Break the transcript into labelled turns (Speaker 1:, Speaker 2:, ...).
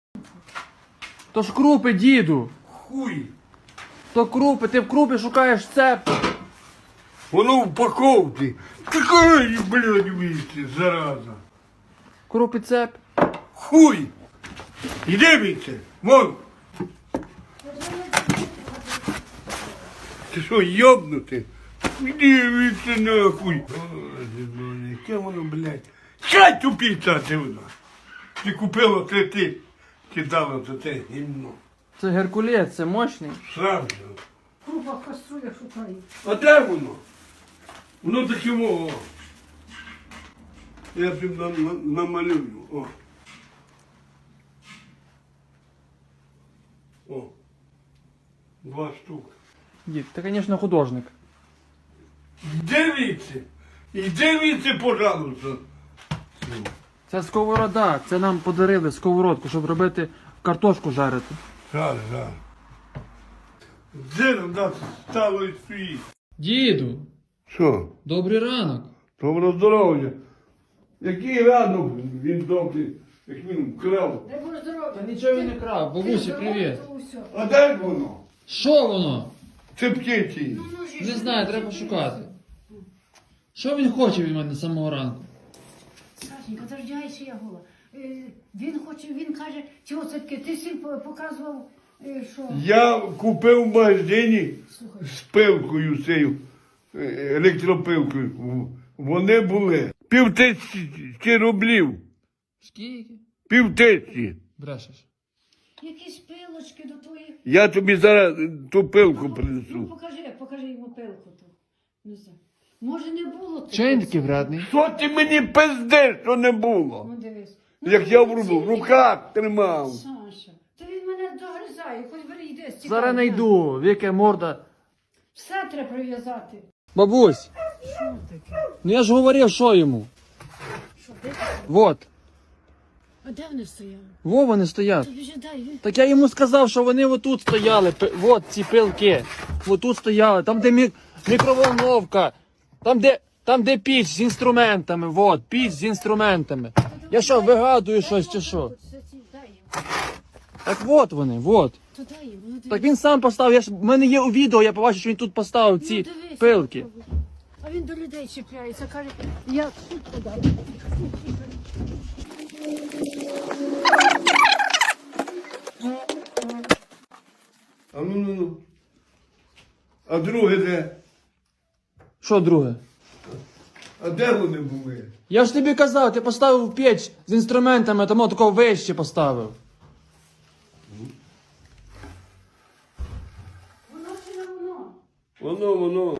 Speaker 1: То ж крупи, діду.
Speaker 2: Хуй.
Speaker 1: То крупи, ти в крупі шукаєш цеп.
Speaker 2: Воно в упаковці. Такої, блядь, вмісті, зараза.
Speaker 1: Крупи цеп.
Speaker 2: Хуй. Іди віце. Вон. Ти що, йобнути? Іди віце нахуй. Яке воно, блядь. Чай тупіця ти воно. Ти купила це ти. Кидала за це гімно.
Speaker 1: Це Геркулес, це мощний.
Speaker 2: Сразу.
Speaker 3: Круба каструля шукає.
Speaker 2: А де воно? Воно таке о. Я тобі намалюю. О. О. 2 штуки.
Speaker 1: Дід, ти, звісно, художник.
Speaker 2: Іди віце, пожалуйста.
Speaker 1: Це сковорода, це нам подарили сковородку, щоб робити картошку жарити.
Speaker 2: Зараз. Де нас стало і стоїть?
Speaker 1: Діду,
Speaker 2: Що?
Speaker 1: добрий ранок.
Speaker 2: Доброго здоров'я. Який ранок він добрий, як він вкрав.
Speaker 3: Дай Боже здоров'я.
Speaker 1: Та нічого він не крав, бабусі, привіт.
Speaker 2: А де воно?
Speaker 1: Що воно?
Speaker 2: Це птиці.
Speaker 1: Не знаю, треба шукати. Що він хоче від мене з самого ранку?
Speaker 3: Сашенька, дождяйся я гола. Він каже, чого це таке, ти всім показував, що...
Speaker 2: Я купив в магазині
Speaker 3: Слухай.
Speaker 2: з пилкою цією, електропилкою. Вони були 5000 рублів.
Speaker 1: Скільки?
Speaker 2: 5000.
Speaker 1: Брешеш.
Speaker 3: Якісь пилочки до твоїх...
Speaker 2: Я тобі зараз ту пилку
Speaker 3: Ну,
Speaker 2: принесу.
Speaker 3: покажи йому пилку ту. Не знаю. Може не було тут?
Speaker 1: Чого він такий вредний?
Speaker 2: Що ти мені пиздиш, що не було?
Speaker 3: Ну дивись.
Speaker 2: Як я в руках тримав.
Speaker 3: Саша, то він мене догризає, хоч бери йди.
Speaker 1: Зараз найду, віке морда.
Speaker 3: Все треба прив'язати.
Speaker 1: Бабусь,
Speaker 3: Що таке?
Speaker 1: ну я ж говорив, що йому.
Speaker 3: Що, де?
Speaker 1: Вот.
Speaker 3: А де вони стояли?
Speaker 1: Во вони стоять.
Speaker 3: Тобі ж дай.
Speaker 1: Так я йому сказав, що вони отут стояли. Вот ці пилки. Отут стояли. Там, де мікроволновка. Там, де піч з інструментами. Вот, піч з інструментами. Я що, вигадую щось чи що?
Speaker 3: Дай їм.
Speaker 1: Так от вони, вот.
Speaker 3: То дай їм. Ну,
Speaker 1: Так він сам поставив. В мене є у відео, я побачив, що він тут поставив ці
Speaker 3: дивись,
Speaker 1: пилки.
Speaker 3: А він до людей чіпляється, каже, я суд подав.
Speaker 2: А ну. А друге де?
Speaker 1: Що друге?
Speaker 2: А де вони були?
Speaker 1: Я ж тобі казав, ти поставив піч з інструментами, тому такого вище поставив.
Speaker 3: Воно чи не воно?
Speaker 2: Воно.